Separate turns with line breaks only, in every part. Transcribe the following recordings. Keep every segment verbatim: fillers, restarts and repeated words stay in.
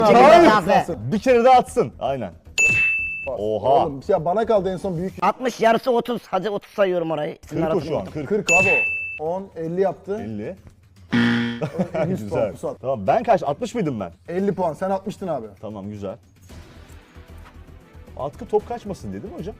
Hayır.
Bir kere daha atsın. Aynen. Oha.
Oğlum ya bana kaldı en son büyük.
altmış yarısı otuz. Hadi otuz sayıyorum orayı. Sizin
kırk o
arasında
şu an.
oldum.
kırk.
kırk abi o. on, elli yaptı.
elli.
yüz puan
Güzel.
Pusat.
Tamam ben kaç? altmış mıydım ben?
elli puan. Sen altmıştın abi.
Tamam güzel. Atkı top kaçmasın dedi mi hocam?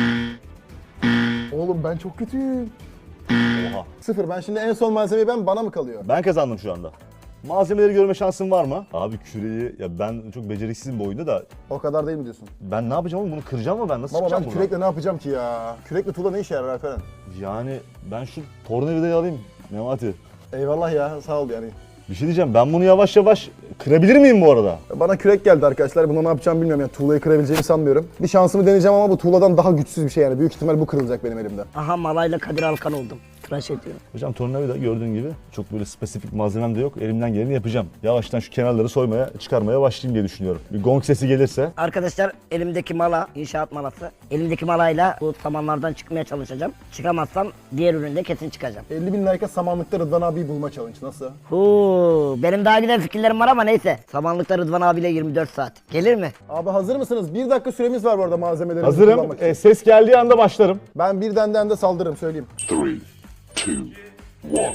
Oğlum ben çok kötüyüm.
Oha.
Sıfır. Ben şimdi en son malzemeyi ben bana mı kalıyor?
Ben kazandım şu anda. Malzemeleri görme şansın var mı? Abi küreği, ya ben çok beceriksizim bu oyunda da
O kadar değil mi diyorsun?
ben ne yapacağım oğlum, bunu kıracağım mı ben? Nasıl
Baba
çıkacağım
ben
buradan?
kürekle ne yapacağım ki ya? Kürekle tuğla ne işe yarar Alperen?
Yani ben şu tornavidayı alayım Memati.
Eyvallah ya sağ ol yani.
Bir şey diyeceğim, ben bunu yavaş yavaş kırabilir miyim bu arada?
Bana kürek geldi arkadaşlar. Bunu ne yapacağımı bilmiyorum yani. Tuğlayı kırabileceğimi sanmıyorum. Bir şansımı deneyeceğim ama bu tuğladan daha güçsüz bir şey yani. Büyük ihtimal bu kırılacak benim elimde.
Aha Malayla Kadir Alkan oldum. Tıraş ediyorum.
Hocam tornavida gördüğün gibi çok böyle spesifik malzemem de yok. Elimden geleni yapacağım. Yavaştan şu kenarları soymaya, çıkarmaya başlayayım diye düşünüyorum. Bir gong sesi gelirse.
Arkadaşlar elimdeki mala, inşaat malası. Elimdeki malayla bu samanlardan çıkmaya çalışacağım. Çıkamazsam diğer üründe kesin çıkacağım.
elli bin like'a samanlıkta Rıdvan abiyi bulma challenge nasıl?
Huu, benim daha güzel fikirlerim var ama neyse. Samanlıkta Rıdvan abiyle yirmi dört saat. Gelir mi?
Abi hazır mısınız? Bir dakika süremiz var bu arada malzemeleri
Hazırım.
kullanmak için.
E, ses geldiği anda başlarım.
Ben birden de de saldırırım söyleyeyim.
Three, two, one.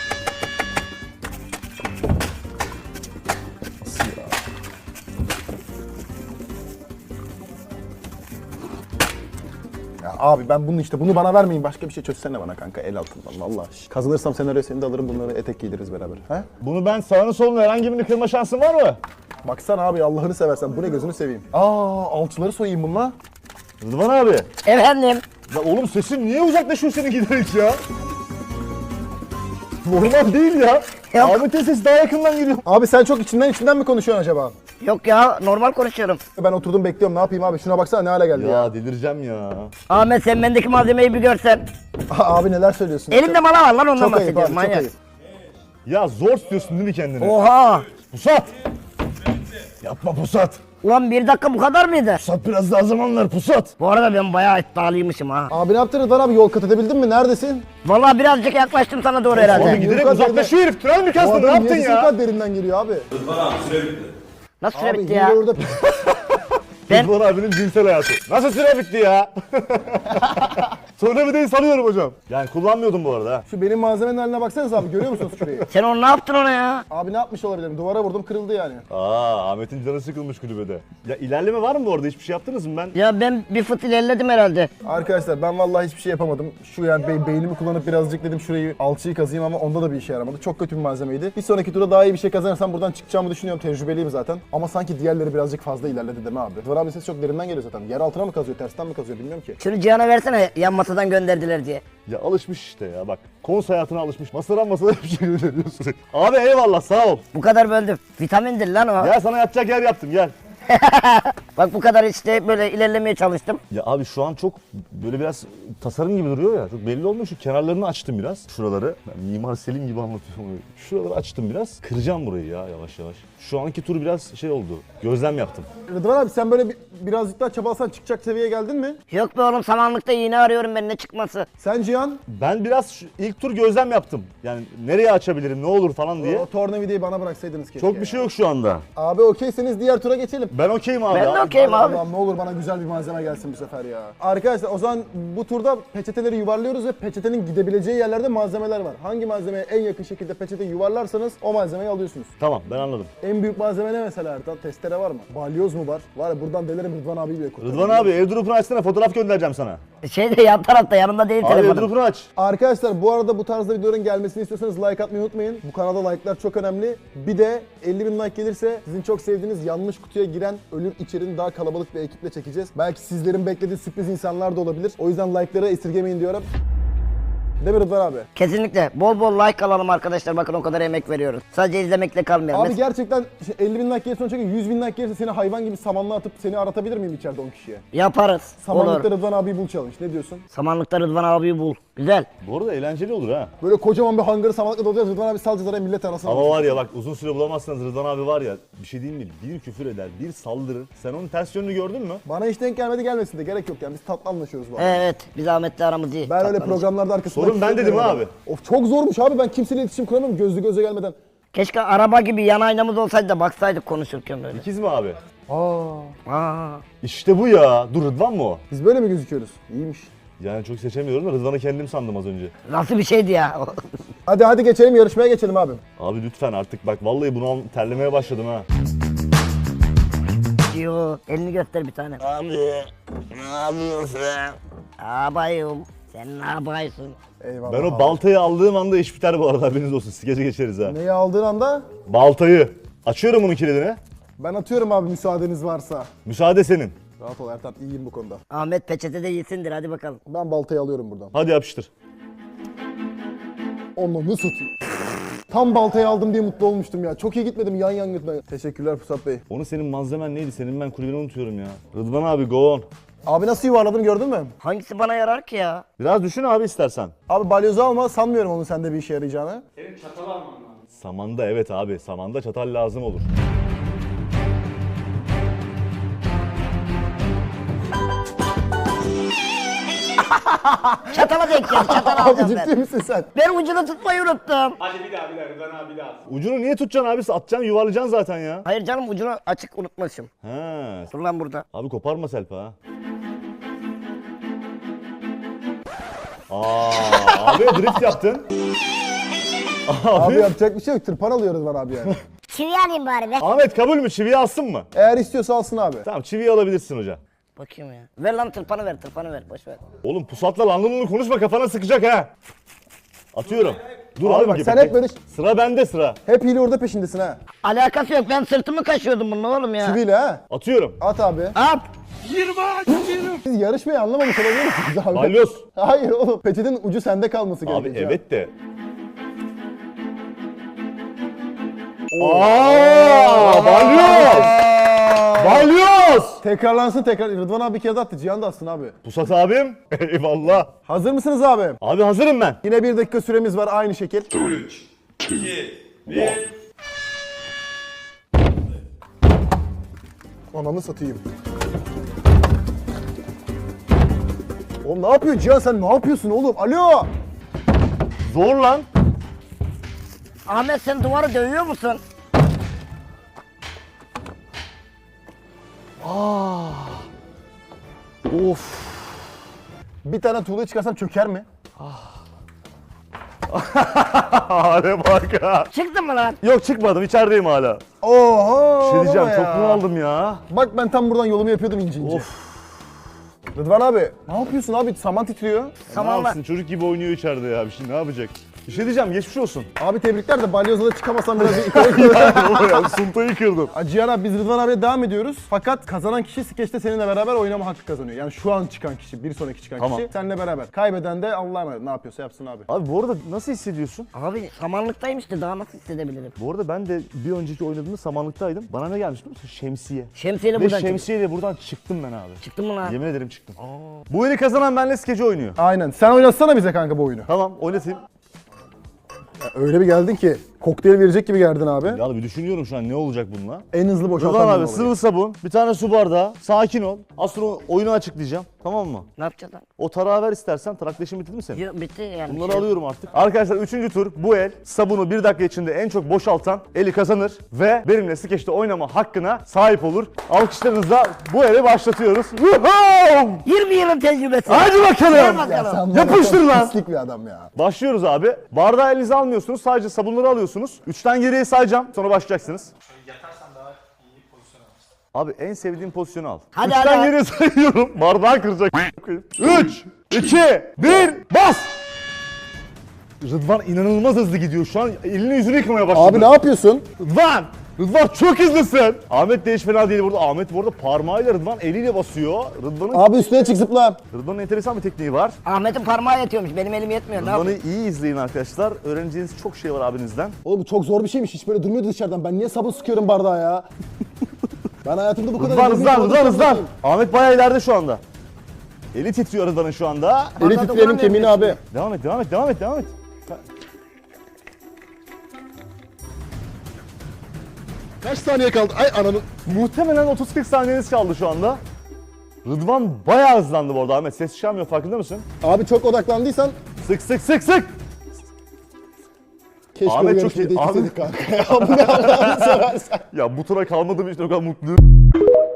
Ya abi ben bunu işte bunu bana vermeyin. Başka bir şey çözsene bana kanka el altından vallahi. Kazanırsam senaryo seni de alırım bunları etek giydiririz beraber. He?
Bunu ben sağını solunu herhangi birini kırma şansın var mı?
Baksana abi Allah'ını seversen bu ne gözünü seveyim. Aa alçıları soyayım bununla.
Rıdvan abi.
Efendim?
Ya oğlum sesin niye uzaklaşıyor senin giderek ya? Normal değil ya.
Yok.
Ahmet'in sesi daha yakından geliyor.
Abi sen çok içinden içinden mi konuşuyorsun acaba?
Yok ya, normal konuşuyorum.
Ben oturdum bekliyorum ne yapayım abi şuna baksana ne hale geldi ya.
Ya delireceğim ya.
Ahmet sen bendeki malzemeyi bir görsen.
Abi neler söylüyorsun?
Elimde mala var lan, ondan
Çok ayıp
bahsediyorum
abi çok
manyak.
ayıp.
Ya zor tutuyorsun değil mi kendini?
Oha!
Pusat! Yapma Pusat.
Ulan bir dakika bu kadar mıydı?
Pusat biraz daha zaman ver Pusat.
Bu arada ben bayağı iddialıymışım ha.
Abi ne yaptın Rıdvan abi yol kat edebildin mi? Neredesin?
Vallahi birazcık yaklaştım sana doğru
Abi
herhalde.
giderek
Yukarı
uzaklaşıyor herif. Tünel mi
Bu
kastın? Ne
adam
yaptın
niye
ya?
kadar derinden geliyor abi?
Nasıl süre
Abi
bitti
hile
ya?
orada...
Ben-
Rıdvan abinin cinsel hayatı. Nasıl süre bitti ya? Sonra bir de sanıyorum hocam. Yani kullanmıyordum bu arada ha.
Şu benim malzemenin haline baksanıza abi görüyor musunuz şurayı?
Sen onu ne yaptın ona ya?
Abi ne yapmış olabilirim? Duvara vurdum kırıldı yani.
Aa, Ahmet'in canı sıkılmış kulübede. Ya ilerleme var mı bu arada? Hiçbir şey yaptınız mı ben?
Ya ben bir fıt ilerledim herhalde.
Arkadaşlar ben vallahi hiçbir şey yapamadım. Şu yani be- beynimi kullanıp birazcık dedim şurayı alçıyı kazıyım ama onda da bir işe yaramadı. Çok kötü bir malzemeydi. Bir sonraki turda daha iyi bir şey kazanırsam buradan çıkacağımı düşünüyorum. Tecrübeliyim zaten. Ama sanki diğerleri birazcık fazla ilerledi değil mi abi? Rıdvan abi ses çok derinden geliyor zaten. Yer altına mı kazıyor, tersten mi kazıyor bilmiyorum ki.
Şunu Cihan'a versene, yan masadan gönderdiler diye.
Ya alışmış işte ya bak. Kons hayatına alışmış. Masadan masada bir şey gönderiyorsun. Abi eyvallah sağ ol.
Bu kadar böldüm. Vitamindir lan o.
Gel sana yatacak yer yaptım gel.
Bak bu kadar işte böyle ilerlemeye çalıştım.
Ya abi şu an çok böyle biraz tasarım gibi duruyor ya. Çok belli olmuyor. Şu kenarlarını açtım biraz. Şuraları. Ben Mimar Selim gibi anlatıyorum. Şuraları açtım biraz. Kıracağım burayı ya yavaş yavaş. Şu anki tur biraz şey oldu. Gözlem yaptım.
Rıdvan abi sen böyle bir, birazcık daha çabalasan çıkacak seviyeye geldin mi?
Yok be oğlum, samanlıkta iğne arıyorum ben, ne çıkması.
Sen Cihan,
Ben biraz şu ilk tur gözlem yaptım. Yani nereye açabilirim, ne olur falan diye.
o tornavidayı bana bıraksaydınız keşke.
Çok bir şey yok şu anda.
Abi okeyseniz diğer tura geçelim.
Ben okeyim abi.
Ben de okeyim abi.
Allah'ım ne olur bana güzel bir malzeme gelsin bu sefer ya. Arkadaşlar o zaman bu turda peçeteleri yuvarlıyoruz ve peçetenin gidebileceği yerlerde malzemeler var. Hangi malzemeye en yakın şekilde peçete yuvarlarsanız o malzemeyi alıyorsunuz.
Tamam ben anladım.
En büyük malzeme ne mesela Ertan? Testere var mı? Balyoz mu var? Var ya buradan delerim Rıdvan abi bile kurtarırım.
Rıdvan abi airdrop'unu açsana, fotoğraf göndereceğim sana.
Şeyde yan tarafta, yanımda değil
Abi
telefonum.
airdrop'unu aç.
Arkadaşlar bu arada bu tarzda videoların gelmesini istiyorsanız like atmayı unutmayın. Bu kanalda like'lar çok önemli. Bir de elli bin like gelirse sizin çok sevdiğiniz yanlış kutuya giren ölüm içeriğini daha kalabalık bir ekiple çekeceğiz. Belki sizlerin beklediği sürpriz insanlar da olabilir. O yüzden like'ları esirgemeyin diyorum. Değil mi Rıdvan abi?
Kesinlikle. Bol bol like alalım arkadaşlar, bakın o kadar emek veriyoruz. Sadece izlemekle kalmayalım.
Abi
Mes-
gerçekten elli bin like gelirse sonra çekin, yüz bin like gelirse seni hayvan gibi samanlığa atıp seni aratabilir miyim içeride on kişiye?
Yaparız.
Samanlıkta
Olur.
Rıdvan abi bul challenge. Ne diyorsun?
Samanlıkta Rıdvan abiyi bul. Güzel.
Bu arada eğlenceli olur ha.
Böyle kocaman bir hangarı samanlıkla dolacağız. Rıdvan abi salacağız araya millet arasına.
Ama var ya bak uzun süre bulamazsanız Rıdvan abi var ya bir şey diyeyim mi? Bir küfür eder, bir saldırır. Sen onun ters yönünü gördün mü?
Bana hiç denk gelmedi gelmesin de gerek yok yani biz tatlı anlaşıyoruz bu arada.
Evet, biz Ahmet'le aramız iyi.
Ben öyle
Tatlanış.
programlarda arkasında...
Sorun ben dedim abi.
Of çok zormuş abi ben kimseyle iletişim kuramıyorum gözlü göze gelmeden.
Keşke araba gibi yan aynamız olsaydı da baksaydık konuşurken böyle.
İkiz mi abi?
Aa,
Aa.
İşte bu ya. Dur Rıdvan mı o?
biz böyle mi gözüküyoruz? İyiymiş.
Yani çok seçemiyorum da Rıdvan'ı kendim sandım az önce.
Nasıl bir şeydi ya?
Hadi hadi geçelim yarışmaya geçelim abi.
Abi lütfen artık bak vallahi bunu al- terlemeye başladım ha.
Yo, elini göster bir tane. Abi, ne yapıyorsun? Abayım, sen ne yapıyorsun?
Eyvallah.
Ben o
abi.
baltayı aldığım anda iş biter bu arada haberiniz olsun. Skece geçeriz ha.
Neyi aldığın anda
Baltayı. Açıyorum bunun kilidini.
ben atıyorum abi müsaadeniz varsa.
Müsaade senin.
Rahat ol Ertan, iyiyim bu konuda.
Ahmet peçetede yesindir, hadi bakalım.
Ben baltayı alıyorum buradan.
Hadi yapıştır.
Onu satayım. Tam baltayı aldım diye mutlu olmuştum ya. Çok iyi gitmedim yan yan gitmeye. Teşekkürler Pusat Bey.
Onu senin malzemen neydi? Senin ben kulübeni unutuyorum ya. Rıdvan abi go on.
Abi nasıl yuvarladım gördün mü?
Hangisi bana yarar ki ya?
Biraz düşün abi istersen.
Abi balyozu alma, sanmıyorum onun sende bir işe yarayacağını.
Samanda evet abi. Samanda çatal lazım olur.
Çatala denk geldi, çatal
Abi
alacağım
ciddi
ben.
misin sen?
Ben ucunu tutmayı unuttum.
Hadi bir daha bir daha Rıdvan abi bir daha.
Ucunu niye tutacaksın abi? Atacaksın yuvarlayacaksın zaten ya.
Hayır canım, ucunu açık unutmuşum.
He.
Dur lan burada.
Abi koparma Selpa ha. Aa, abi drift yaptın.
Abi
Abi.
yapacak bir şey yok. Tırpan alıyoruz var abi yani.
Çivi alayım bari be.
Ahmet kabul mü? Çiviyi alsın mı?
Eğer istiyorsa alsın abi.
Tamam çiviyi alabilirsin hoca.
Bakayım ya. Ver lan tırpanı ver, tırpanı ver, boş ver.
Oğlum pusatla lanlımını konuşma kafana sıkacak ha. Atıyorum. Dur
Abi
abi,
bak,
gibi.
sen hep böyle-
Sıra bende sıra.
Hep hile orada peşindesin ha.
Alakası yok, ben sırtımı kaşıyordum bununla oğlum ya.
Çiviyle ha.
Atıyorum.
At abi.
Hop!
Siz yarışmayı anlamamış olabilir misiniz abi?
Balyoz.
Hayır oğlum. Peçetin ucu sende kalması
Abi
gerekiyor.
evet de. Aaa balyoz. Balyoz.
Tekrarlansın tekrar. Rıdvan abi bir kere de attı. Cihan da atsın abi.
Pusat abim. Eyvallah.
Hazır mısınız abi?
Abi hazırım ben.
Yine bir dakika süremiz var aynı şekil.
Three, two, one.
Ananı satayım. Oğlum ne yapıyorsun Cihan, sen ne yapıyorsun oğlum? Alo!
Zor lan.
Ahmet, sen duvarı dövüyor musun?
Of.
Bir tane tuğlayı çıkarsam çöker mi?
Hale bak ha.
Çıktın mı lan?
Yok çıkmadım içerideyim hala.
Oho!
Bir şey diyeceğim
baba
çok
ya.
bunaldım ya.
Bak ben tam buradan yolumu yapıyordum ince ince.
Of.
Rıdvan abi ne yapıyorsun abi? Saman titriyor.
Ne
Samanla.
yapsın çocuk gibi oynuyor içeride ya. Bir şey ne yapacak? Bir şey diyeceğim geçmiş olsun.
Abi tebrikler de balyozla da çıkamasam biraz yukarı
ya suntayı kırdım.
Cihan abi biz Rıdvan abiyle devam ediyoruz. Fakat kazanan kişi skeçte seninle beraber oynama hakkı kazanıyor. Yani şu an çıkan kişi, bir sonraki çıkan
Tamam.
kişi seninle beraber. Kaybeden de Allah'a emanet ne yapıyorsa yapsın abi.
Abi bu arada nasıl hissediyorsun?
Abi samanlıktayım işte, daha nasıl hissedebilirim?
Bu arada ben de bir önceki oynadığımda samanlıktaydım. Bana ne gelmiş biliyor musun? Şemsiye.
Şemsiyeyle
Ve
buradan çıktım.
şemsiyeyle buradan çıktım ben abi.
Çıktın mı lan?
Yemin ederim çıktım. Bu eli kazanan benle skeci oynuyor.
Aynen. Sen oynatsana bize kanka bu oyunu.
Tamam oynatayım.
Ya öyle bir geldin ki kokteyl verecek gibi geldin abi.
Ya bir düşünüyorum şu an ne olacak bununla.
En hızlı boşaltan
Rıdvan abi
olayı.
sıvı sabun, bir tane su bardağı, sakin ol. Az sonra oyunu açıklayacağım. Tamam mı?
Ne yapacağız lan?
O tarağı ver istersen. Tarakleşim bitti mi senin?
Yok, bitti yani.
Bunları
Şey-
alıyorum artık. Arkadaşlar üçüncü tur bu el sabunu bir dakika içinde en çok boşaltan eli kazanır ve benimle skeçte oynama hakkına sahip olur. Alkışlarınızla bu eli başlatıyoruz. Woohoo!
yirmi yılın tecrübesi.
Hadi
Gel
bakalım.
Ya
bakalım.
sen var ya,
Yapıştır
çok
lan.
Pislik bir adam ya.
Başlıyoruz abi. Bardağı elinize almıyorsunuz. Sadece sabunları alıyorsunuz. Üçten geriye sayacağım. Sonra başlayacaksınız.
Yatarsan daha iyi pozisyon alırsın.
Abi en sevdiğim pozisyonu al.
Hadi,
Üçten
hadi.
geriye sayıyorum. Bardağı kıracak. Üç, iki, bir, bas! Rıdvan inanılmaz hızlı gidiyor. Şu an elini yüzünü yıkamaya başladı.
Abi ne yapıyorsun?
Rıdvan! Rıdvan çok hızlısın. Ahmet de hiç fena değil burada. Ahmet bu arada parmağıyla Rıdvan eliyle basıyor. Rıdvan'ın
Abi üstüne çık zıpla.
Rıdvan'ın enteresan bir tekniği var.
Ahmet'in parmağı yetiyormuş, benim elim yetmiyor. Ne
Rıdvan'ı
yapayım?
iyi izleyin arkadaşlar. Öğreneceğiniz çok şey var abinizden.
Oğlum bu çok zor bir şeymiş. Hiç böyle durmuyordu dışarıdan. Ben niye sabun sıkıyorum bardağa ya? Ben hayatımda bu kadar...
Rıdvan
elimle
hızlan,
sabun
Rıdvan hızlan.
sıkmadım.
Ahmet bayağı ileride şu anda. Eli titriyor Rıdvan'ın şu anda.
Eli
Bardağa
titreyenin
dokunamıyorum
kemiğini abi.
Devam et, devam et, devam et, devam et.
Kaç saniye kaldı? Ay ananı...
Muhtemelen otuz kırk saniyeniz kaldı şu anda. Rıdvan bayağı hızlandı bu arada Ahmet. Ses çıkarmıyor farkında mısın?
Abi çok odaklandıysan...
Sık sık sık sık.
Keşke
Ahmet
bu
çok iyi.
yarışmada
Ahmet-
ikisiydik kanka. Ya bu ne Allah'ını seversen.
Ya bu tura kalmadığım için o kadar mutluyum.